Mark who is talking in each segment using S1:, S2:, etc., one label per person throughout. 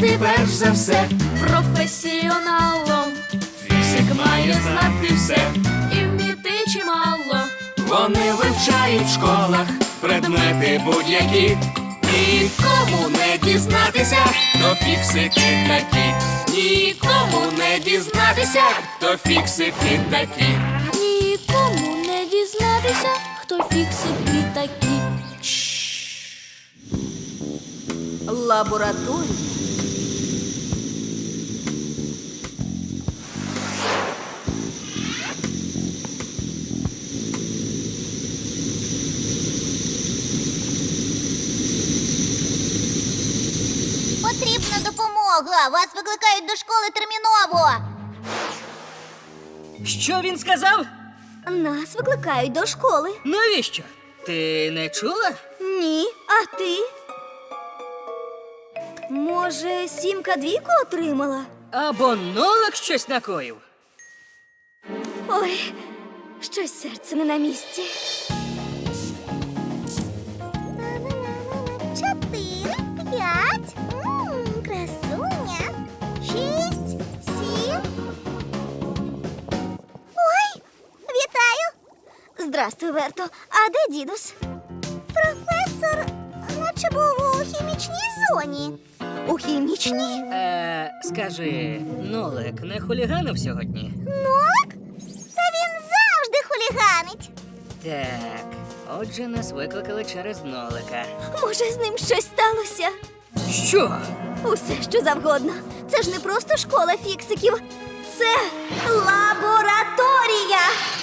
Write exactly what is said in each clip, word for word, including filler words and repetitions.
S1: бути перш за все
S2: професіоналом.
S1: Фіксик має знати все.
S2: І вміти чимало.
S1: Вони вивчають в школах предмети будь-які. Нікому не дізнатися, хто фіксики такі. Нікому не дізнатися, хто фіксики такі.
S2: Нікому не дізнатися, хто фіксики такі. Лабораторія.
S3: Потрібна допомога. Вас викликають до школи терміново.
S4: Що він сказав?
S3: Нас викликають до школи.
S4: Навіщо? Ти не чула?
S3: Ні, а ти? Може, сімка двійку отримала?
S4: Або нолик щось накоїв?
S3: Ой, щось серце не на місці. Чотири, п'ять, М, красуня, шість, сім. Ой, вітаю. Здрастуй, Верто. А де дідусь? Професор, наче був у хімічній зоні. У хімічній?
S4: Е, скажи, нолик не хуліганив сьогодні?
S3: Нолик? Та він завжди хуліганить.
S4: Так, отже, нас викликали через нолика.
S3: Може, з ним щось сталося?
S4: Що?
S3: Усе, що завгодно. Це ж не просто школа фіксиків. Це лабораторія.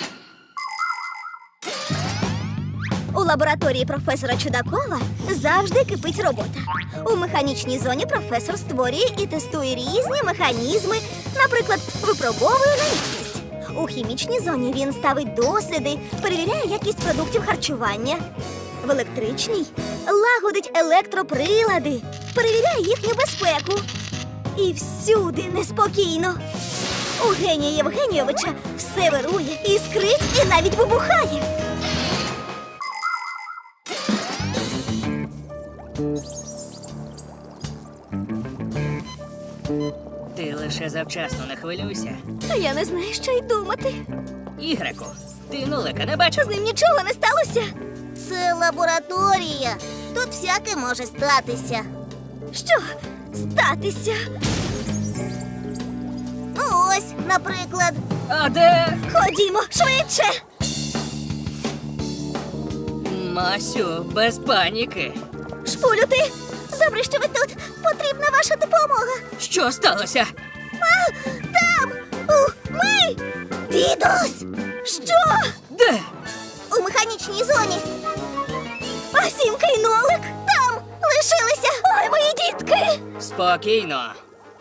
S3: У лабораторії професора Чудакова завжди кипить робота. У механічній зоні професор створює і тестує різні механізми, наприклад, випробовує на міцність. У хімічній зоні він ставить досліди, перевіряє якість продуктів харчування. В електричній лагодить електроприлади, перевіряє їхню безпеку. І всюди неспокійно. У генія Євгенійовича все вирує, іскрить і навіть вибухає.
S4: Ти лише завчасно не хвилюйся.
S3: А я не знаю, що й думати.
S4: Ігреку, ти нолика не бачив?
S3: З ним нічого не сталося. Це лабораторія. Тут всяке може статися. Що статися? Ну ось, наприклад.
S4: А де?
S3: Ходімо, швидше.
S4: Масю, без паніки.
S3: Шпулю ти. Добре, що ви тут. Потрібна ваша допомога.
S4: Що сталося?
S3: А, там! У, ми! Дідусь! Що?
S4: Де?
S3: У механічній зоні. А сімка й нолик там лишилися. Ой, мої дітки!
S4: Спокійно.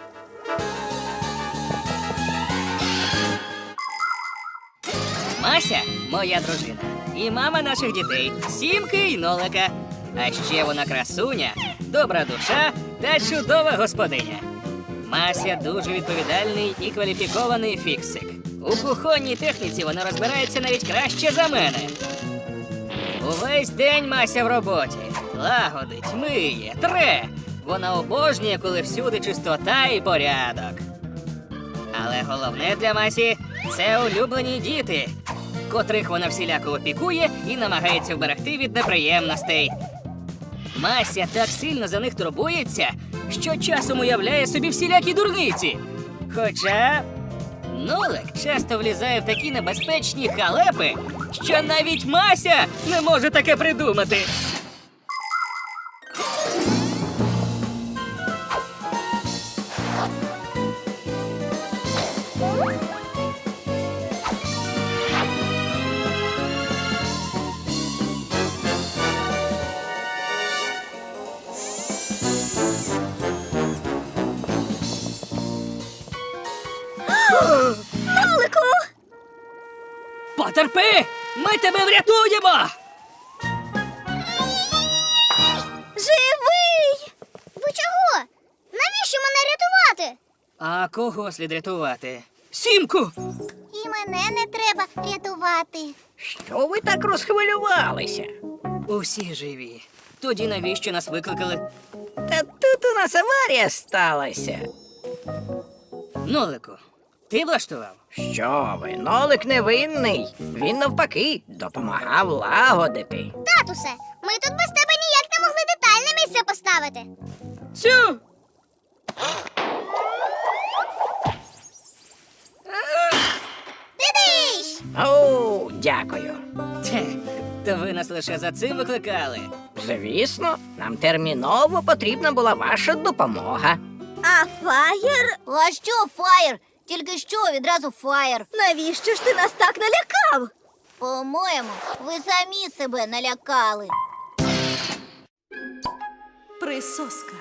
S4: Мася – моя дружина. І мама наших дітей – Сімки і Нолика. А ще вона красуня, добра душа та чудова господиня. Мася дуже відповідальний і кваліфікований фіксик. У кухонній техніці вона розбирається навіть краще за мене. Увесь день Мася в роботі. Лагодить, миє, тре. Вона обожнює, коли всюди чистота і порядок. Але головне для Масі – це улюблені діти, котрих вона всіляко опікує і намагається вберегти від неприємностей. Мася так сильно за них турбується, що часом уявляє собі всілякі дурниці. Хоча нолик часто влізає в такі небезпечні халепи, що навіть Мася не може таке придумати.
S3: Нолику!
S4: Потерпи! Ми тебе врятуємо!
S3: Живий! Ви чого? Навіщо мене рятувати?
S4: А кого слід рятувати? Сімку!
S3: І мене не треба рятувати.
S5: Що ви так розхвилювалися?
S4: Усі живі. Тоді навіщо нас викликали?
S5: Та тут у нас аварія сталася.
S4: Нолику, ти влаштував?
S5: Що ви, Нолик невинний. Він навпаки допомагав лагодити.
S6: Татусе, ми тут без тебе ніяк не могли детальне місце поставити.
S4: Цю!
S6: Дидиш!
S5: О, дякую.
S4: Те, то ви нас лише за цим викликали.
S5: Звісно, нам терміново потрібна була ваша допомога.
S3: А фаєр?
S6: А що, Фаєр? Тільки що відразу Фаєр.
S3: Навіщо ж ти нас так налякав?
S6: По-моєму, ви самі себе налякали.
S2: Присоска.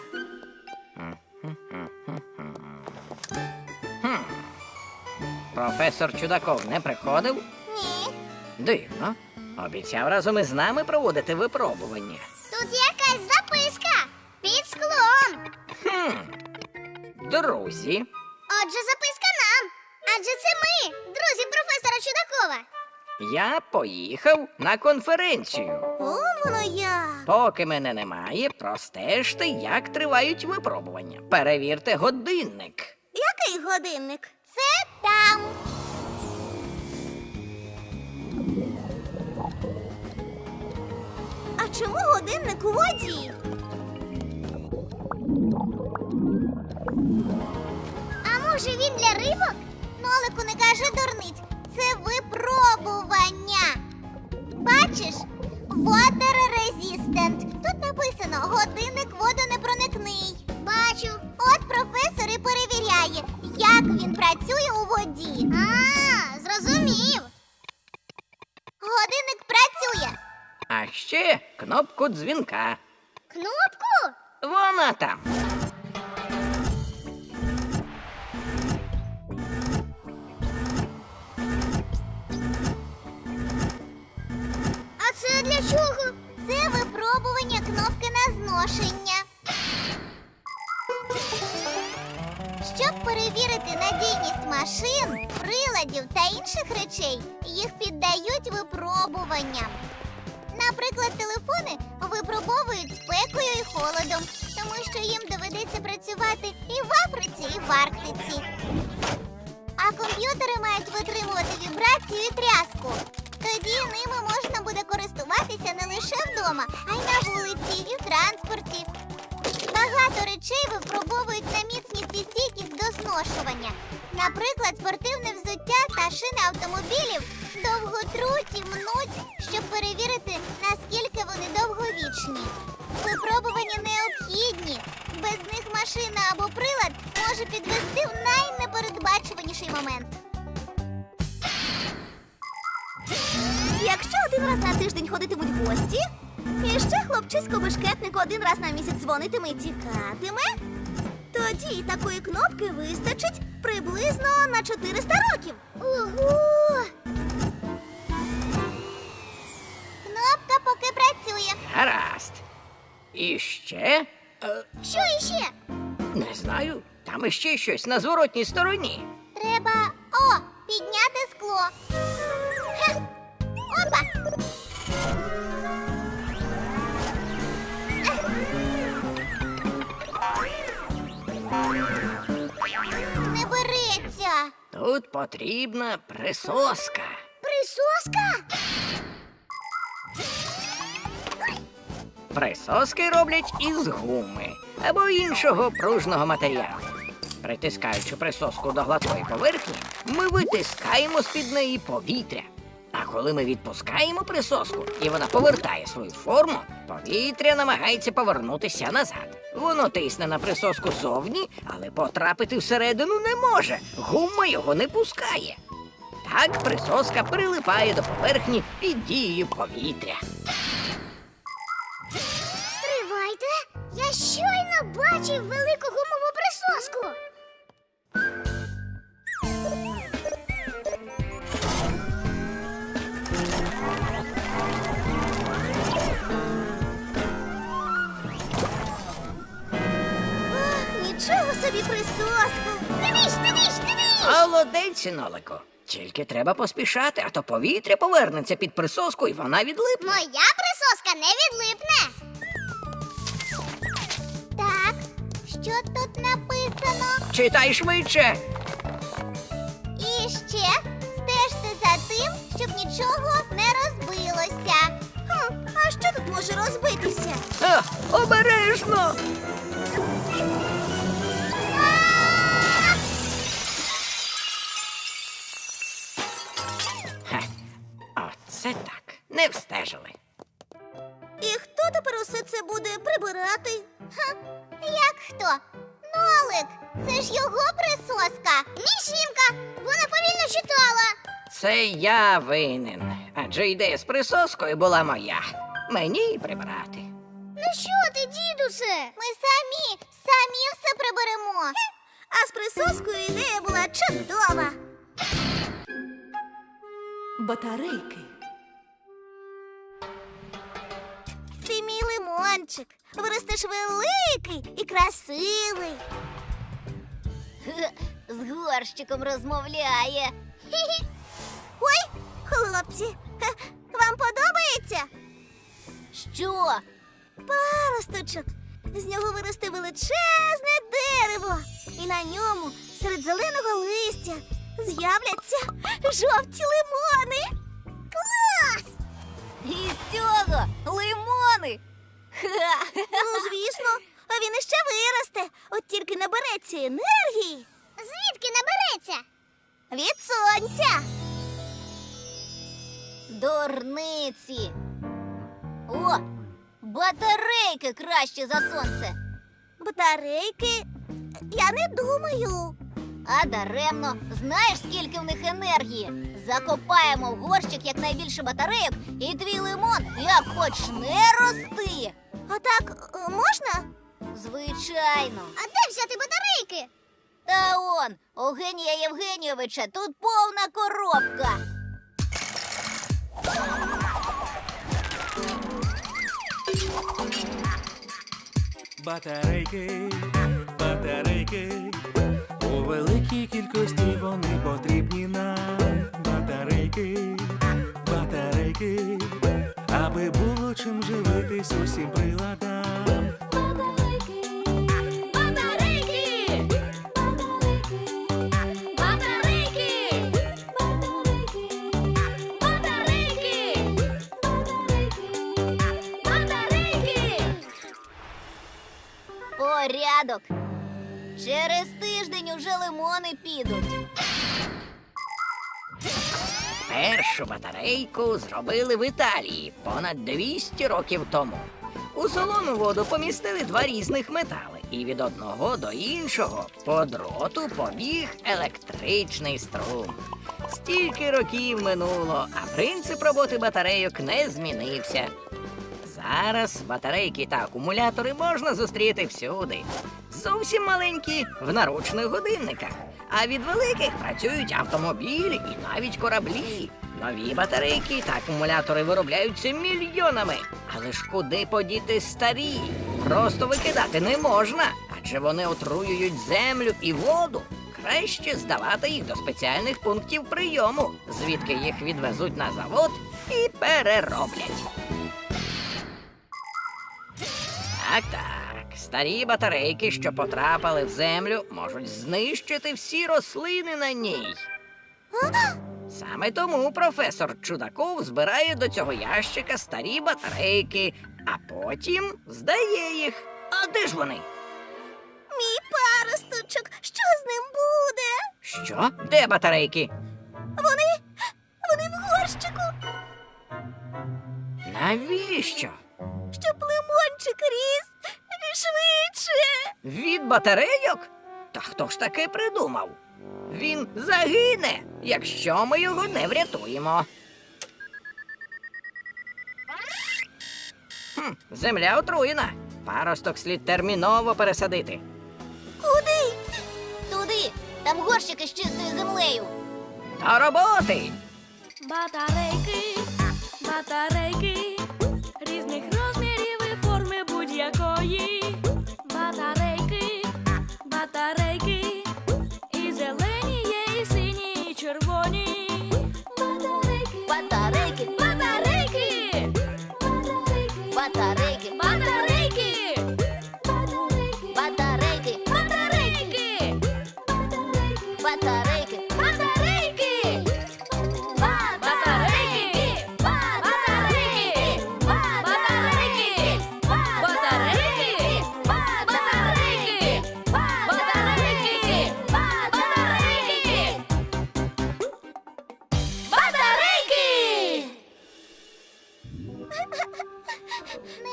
S5: Професор Чудаков не приходив?
S6: Ні.
S5: Дивно. Обіцяв разом із нами проводити випробування.
S6: Тут якась записка під склом.
S5: Хм. Друзі,
S6: Отже, записка нам. Адже це ми, друзі професора Чудакова.
S5: я поїхав на конференцію.
S3: Он воно як.
S5: Поки мене немає, простежте, як тривають випробування. Перевірте годинник.
S3: Який годинник?
S6: Це там.
S3: А чому годинник у воді?
S6: А може він для рибок? Нолику, не кажи дурниць. Це випробування. Бачиш? Water resistant. Тут написано годинник водонепроникний. Бачу. От професор і перевіряє, як він працює у воді. А, зрозумів. Годинник працює.
S5: А ще кнопку дзвінка.
S6: Кнопку?
S5: Вона там.
S6: А це для чого? Це випробування кнопки на зношення. Щоб перевірити надійність машин, приладів та інших речей, їх піддають випробуванням. Наприклад, телефони випробовують спекою і холодом, тому що їм доведеться працювати і в Африці, і в Арктиці. А комп'ютери мають витримувати вібрацію і тряску. Тоді ними можна буде користуватися не лише вдома, а й на вулиці, і в транспорті. Багато речей випробовують на міцність і стійкість до зношування. Наприклад, спортивне взуття та шини автомобілів довго труть і мнуть, щоб перевірити, наскільки вони довговічні. Випробування необхідні. Без них машина або прилад може підвести в найнепередбачуваніший момент.
S3: Якщо один раз на тиждень ходитимуть гості, і ще хлопчисько-бешкетник один раз на місяць дзвонитиме і тікатиме, тоді такої кнопки вистачить приблизно на чотириста років.
S6: Ого! Кнопка поки працює.
S5: Гаразд. І ще? Е,
S6: Що іще?
S5: не знаю. Там іще щось на зворотній стороні.
S6: Треба, о, підняти скло. Хех. Опа! Не береться.
S5: Тут потрібна присоска.
S6: Присоска?
S5: Присоски роблять із гуми або іншого пружного матеріалу. Притискаючи присоску до гладкої поверхні, ми витискаємо з-під неї повітря. А коли ми відпускаємо присоску і вона повертає свою форму, повітря намагається повернутися назад. Воно тисне на присоску зовні, але потрапити всередину не може. Гума його не пускає. Так присоска прилипає до поверхні під дією повітря.
S6: Стривайте! Я щойно бачив велику гумову присоску.
S3: Ах, нічого собі присоска.
S6: Тидиш, тидиш, тидиш!
S5: Молодець, Нолико. Тільки треба поспішати, а то повітря повернеться під присоску і вона відлипне.
S6: Моя присоска не відлипне. Що тут написано?
S5: Читай швидше.
S6: І ще стежте за тим, щоб нічого не розбилося.
S3: Хм, а що тут може розбитися?
S5: А, обережно. Хе, оце так. Не встежили.
S3: І хто тепер усе це буде прибирати?
S6: Ха, як хто? Нолик, це ж його присоска. Мішінка, вона повільно читала.
S5: Це я винен. Адже ідея з присоскою була моя. Мені й прибирати.
S6: Ну що ти, дідусе? Ми самі, самі все приберемо.
S3: А з присоскою ідея була чудова.
S2: Батарейки.
S3: Ти мій лимончик. Виростеш великий і красивий.
S6: З горщиком розмовляє.
S3: Ой, хлопці, ха, вам подобається?
S6: Що?
S3: Паросточок. З нього виросте величезне дерево. І на ньому, серед зеленого листя, з'являться жовті лимони.
S6: Клас! І з цього лимони.
S3: Ну, звісно, а він іще виросте. От тільки набереться енергії
S6: Звідки набереться?
S3: від сонця.
S6: Дурниці. О, батарейки краще за сонце.
S3: Батарейки? Я не думаю.
S6: А даремно. Знаєш, скільки в них енергії? Закопаємо в горщик якнайбільше батарейок, і твій лимон як почне рости.
S3: А так е, можна?
S6: Звичайно. А де взяти батарейки? Та он, у Генія Євгенійовича тут повна коробка.
S7: Батарейки, батарейки, у великій кількості вони потрібні нам. Батарейки, батарейки, аби було чим живитись усім приладам.
S6: Батарейки, батарейки, батарейки, батарейки, батарейки. Порядок. Через тиждень уже лимони підуть.
S5: Першу батарейку зробили в Італії понад двісті років тому. У солону воду помістили два різних метали, і від одного до іншого по дроту побіг електричний струм. Стільки років минуло, а принцип роботи батарейок не змінився. Зараз батарейки та акумулятори можна зустріти всюди. Зовсім маленькі в наручних годинниках. А від великих працюють автомобілі і навіть кораблі. Нові батарейки та акумулятори виробляються мільйонами. Але ж куди подіти старі? Просто викидати не можна, адже вони отруюють землю і воду. Краще здавати їх до спеціальних пунктів прийому, звідки їх відвезуть на завод і перероблять. Так, так. Старі батарейки, що потрапили в землю, можуть знищити всі рослини на ній. Саме тому професор Чудаков збирає до цього ящика старі батарейки, а потім здає їх. А де ж вони?
S3: Мій паросточок, що з ним буде?
S5: Що? Де батарейки?
S3: Вони, вони в горщику,
S5: Навіщо?
S3: щоб лимончик ріс швидше.
S5: Від батарейок? Та хто ж таке придумав? Він загине, якщо ми його не врятуємо. Хм, земля отруєна. Паросток слід терміново пересадити.
S3: Куди?
S6: Туди, там горщики з чистою землею.
S5: До роботи!
S2: Батарейки, батарейки, різних розмірів і форми будь-якої. Батарейки, батарейки, і зелені є, і сині, і червоні. Батарейки,
S6: Батарейки,
S2: батарейки,
S6: батарейки,
S2: батарейки,
S6: батарейки,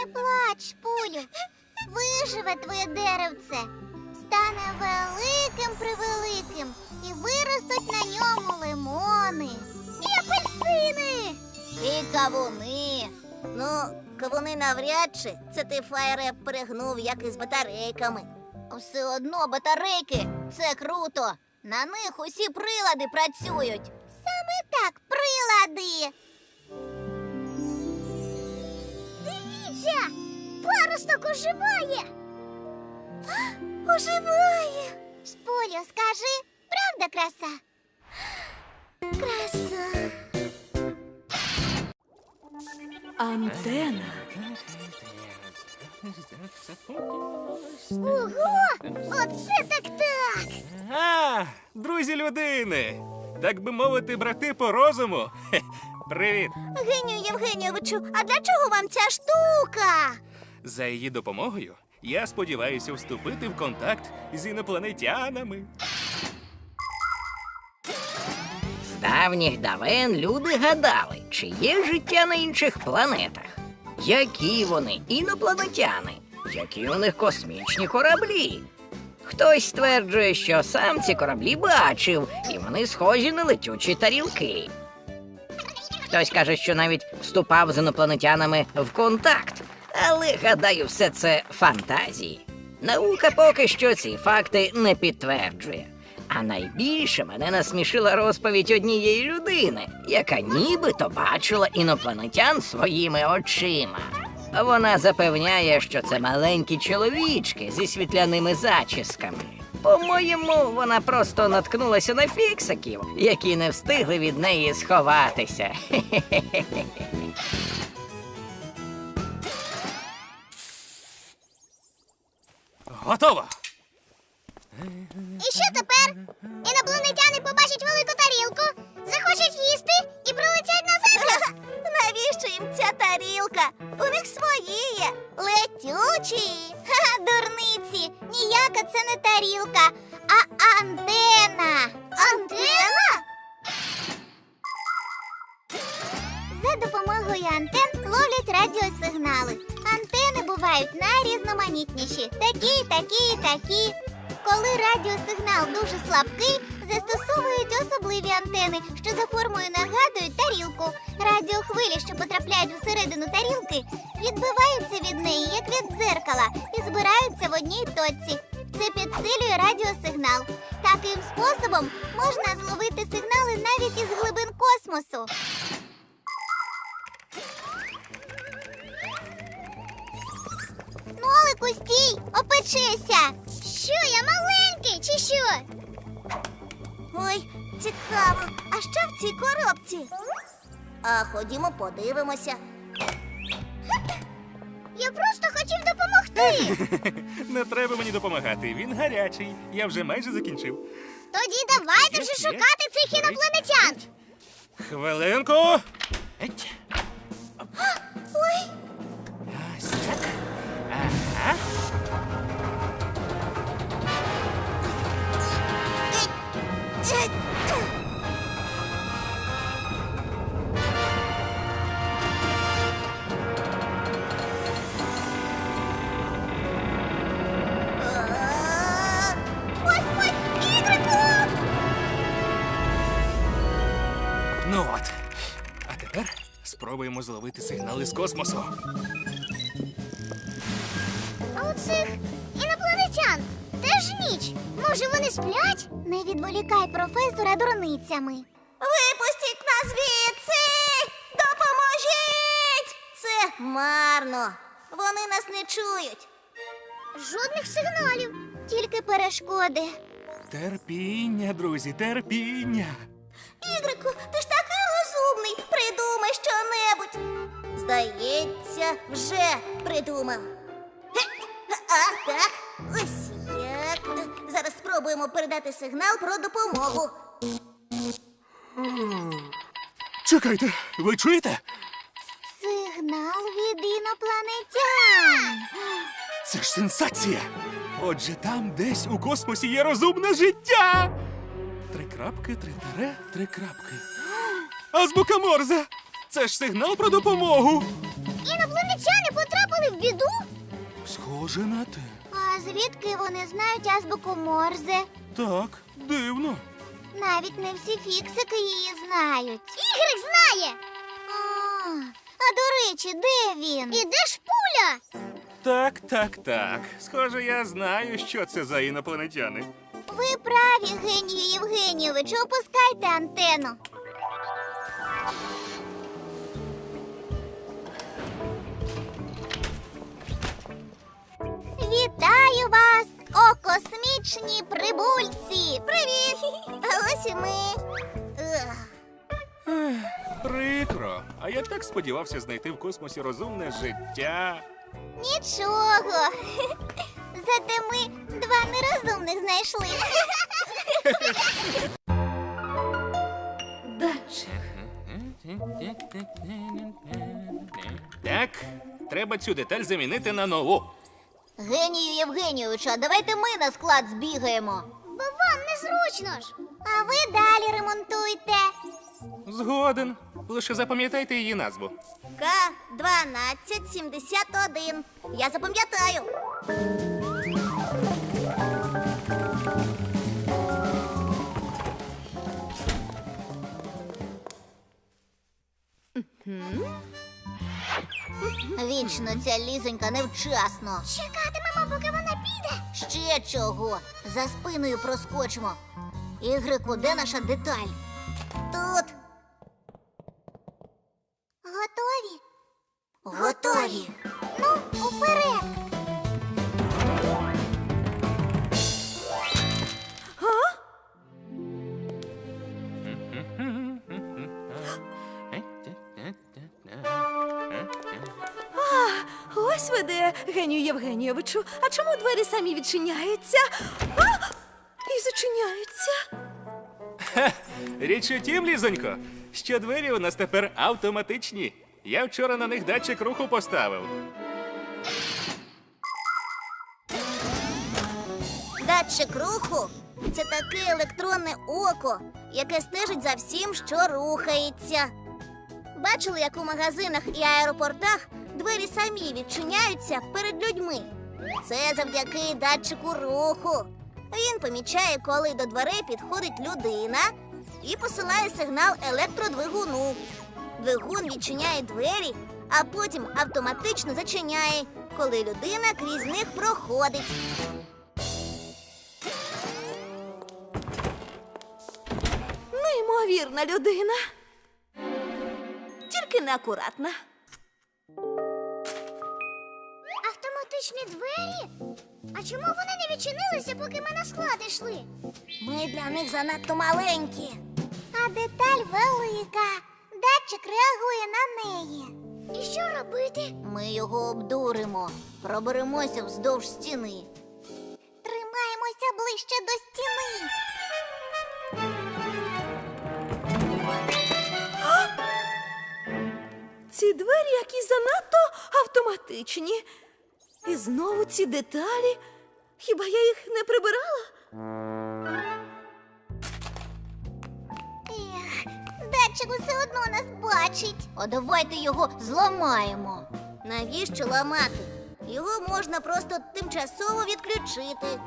S6: Не плач, Пулю. Виживе твоє деревце. Стане великим-превеликим. І виростуть на ньому лимони. І апельсини.
S3: І кавуни. Ну, кавуни навряд чи. Це ти, Фаєре, перегнув, як із батарейками.
S6: Все одно батарейки – це круто. На них усі прилади працюють. Саме так, прилади. Дивіться, паросток оживає. Оживає. Шполю, скажи, правда краса? Краса.
S2: Антена.
S6: Ого, оце так-так.
S7: А, друзі людини! Так би мовити, брати по розуму. Хе, привіт!
S3: Генію Євгенійовичу, а для чого вам ця штука?
S7: За її допомогою я сподіваюся вступити в контакт з інопланетянами.
S5: З давніх давен люди гадали, чи є життя на інших планетах. Які вони інопланетяни, які у них космічні кораблі. Хтось стверджує, що сам ці кораблі бачив, і вони схожі на летючі тарілки. Хтось каже, що навіть вступав з інопланетянами в контакт. Але, гадаю, все це фантазії. Наука поки що ці факти не підтверджує. А найбільше мене насмішила розповідь однієї людини, яка нібито бачила інопланетян своїми очима. Вона запевняє, що це маленькі чоловічки зі світляними зачісками. По-моєму, вона просто наткнулася на фіксиків, які не встигли від неї сховатися.
S7: Готово!
S6: І що тепер? Інопланетяни побачать велику тарілку, захочуть їсти і прилетять на землю.
S3: Навіщо їм ця тарілка? У них свої є.
S6: Летючі. Ха, дурниці. Ніяка це не тарілка, а антена. Антена? За допомогою антен ловлять радіосигнали. Антени бувають найрізноманітніші. Такі, такі, такі. Коли радіосигнал дуже слабкий, застосовують особливі антени, що за формою нагадують тарілку. Радіохвилі, що потрапляють всередину тарілки, відбиваються від неї, як від дзеркала, і збираються в одній точці. Це підсилює радіосигнал. Таким способом можна зловити сигнали навіть із глибин космосу. Нолику, стій! Опечися! Що, я маленький, чи що?
S3: Ой, цікаво. А що в цій коробці? А ходімо подивимося.
S6: Я просто хотів допомогти.
S7: Не треба мені допомагати, він гарячий. Я вже майже закінчив.
S6: Тоді давайте вже шукати цих інопланетян.
S7: Хвилинку. Еть.
S6: Ой,
S7: Ось так. Ага.
S6: ой, ой, Ігрику!
S7: Ну от. А тепер спробуємо зловити сигнали з космосу.
S6: А у цих інопланетян теж ніч. Може, вони сплять? Не відволікай професора дурницями.
S3: Випустіть нас звідси! Допоможіть! Це марно. Вони нас не чують.
S6: Жодних сигналів, тільки перешкоди.
S7: Терпіння, друзі, терпіння.
S3: Ігрику, ти ж такий розумний. Придумай щонебудь. Здається, вже придумав. Ге, А, так. Ось як. Зараз спробуємо передати сигнал про допомогу.
S7: Чекайте, ви чуєте?
S6: Сигнал від інопланетян.
S7: Це ж сенсація! Отже, там десь у космосі є розумне життя. Три крапки, три тире, три крапки. Азбука Морзе! Це ж сигнал про допомогу.
S6: Інопланетяни потрапили потрапили в біду?
S7: Схоже на те.
S6: А звідки вони знають азбуку Морзе?
S7: Так, дивно.
S6: Навіть не всі фіксики її знають. Ігрик знає! А, а до речі, де він? І де ж пуля?
S7: Так, так, так. Схоже, я знаю, що це за інопланетяни.
S6: Ви праві, Генію Євгенійовичу, опускайте антенну. Вітаю вас, о космічні прибульці! Привіт! А ось і ми. Ех.
S7: Прикро. А я так сподівався знайти в космосі розумне життя.
S6: Нічого. Зате ми два нерозумних знайшли.
S2: Датчик.
S7: Так, треба цю деталь замінити на нову.
S6: Генію Євгенійовичу, а давайте ми на склад збігаємо. Бо вам незручно ж. А ви далі ремонтуйте.
S7: Згоден. Лише запам'ятайте її назву.
S6: К дванадцять сімдесят один. Я запам'ятаю. Вічно ця лізонька невчасно. Чекатимемо, поки вона піде. Ще чого? За спиною проскочимо. Ігрику, де наша деталь? Тут. Готові? Готові. Ну, уперед.
S2: Ось ви де, Генію Євгенійовичу. А чому двері самі відчиняються? А! І зачиняються.
S7: Річ у тім, Лізонько, що двері у нас тепер автоматичні. Я вчора на них датчик руху поставив.
S6: Датчик руху – це таке електронне око, яке стежить за всім, що рухається. Бачили, як у магазинах і аеропортах двері самі відчиняються перед людьми? Це завдяки датчику руху. Він помічає, коли до дверей підходить людина і посилає сигнал електродвигуну. Двигун відчиняє двері, а потім автоматично зачиняє, коли людина крізь них проходить.
S2: Неймовірна людина. Тільки неакуратна.
S6: Автоматичні двері? А чому вони не відчинилися, поки ми на склад йшли? Ми для них занадто маленькі. А деталь велика. Датчик реагує на неї. І що робити? Ми його обдуримо. Проберемося вздовж стіни. Тримаємося ближче до стіни.
S2: Ці двері якісь занадто автоматичні. І знову ці деталі. Хіба я їх не прибирала?
S6: Ех, датчик усе одно нас бачить. А давайте його зламаємо. Навіщо ламати? Його можна просто тимчасово відключити.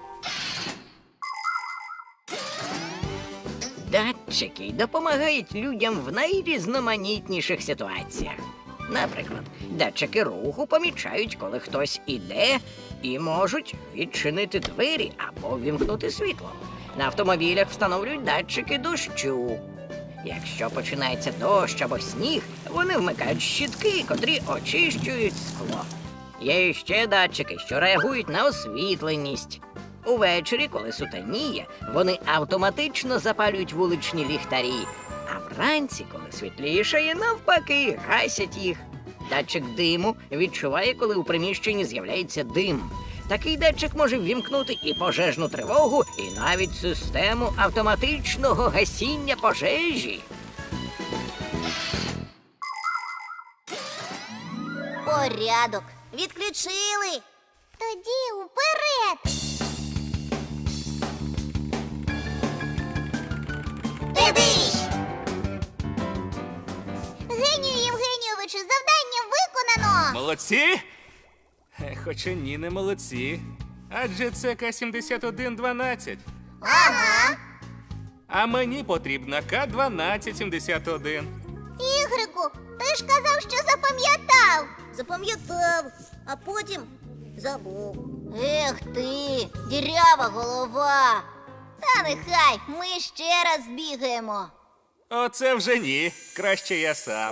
S5: Датчики допомагають людям в найрізноманітніших ситуаціях. Наприклад, датчики руху помічають, коли хтось іде, і можуть відчинити двері або ввімкнути світло. На автомобілях встановлюють датчики дощу. Якщо починається дощ або сніг, вони вмикають щітки, котрі очищують скло. Є ще датчики, що реагують на освітленість. Увечері, коли сутеніє, вони автоматично запалюють вуличні ліхтарі, а вранці, коли світлішає, навпаки, гасять їх. Датчик диму відчуває, коли у приміщенні з'являється дим. Такий датчик може ввімкнути і пожежну тривогу, і навіть систему автоматичного гасіння пожежі.
S6: Порядок. Відключили. Тоді уперед. Дидиш! Генію Євгенійовичу, завдання виконано.
S7: Молодці! Е, Хоча ні, не молодці. Адже це К сімдесят один дванадцять.
S6: Ага.
S7: А мені потрібна К дванадцять сімдесят один.
S6: Ігрику, ти ж казав, що запам'ятав.
S3: Запам'ятав, а потім забув.
S6: Ех ти, дірява голова. Та нехай, ми ще раз бігаємо.
S7: Оце вже ні. Краще я сам.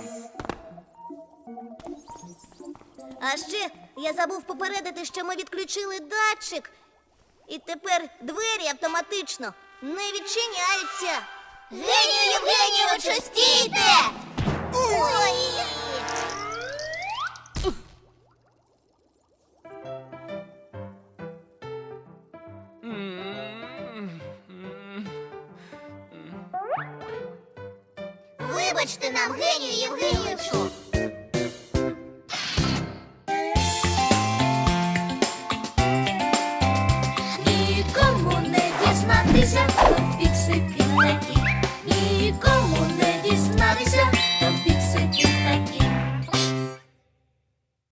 S3: А ще я забув попередити, що ми відключили датчик. І тепер двері автоматично не відчиняються.
S6: Генію Євгенійовичу, стійте! Ой! Вибачте нам, Генію Євгенійовичу.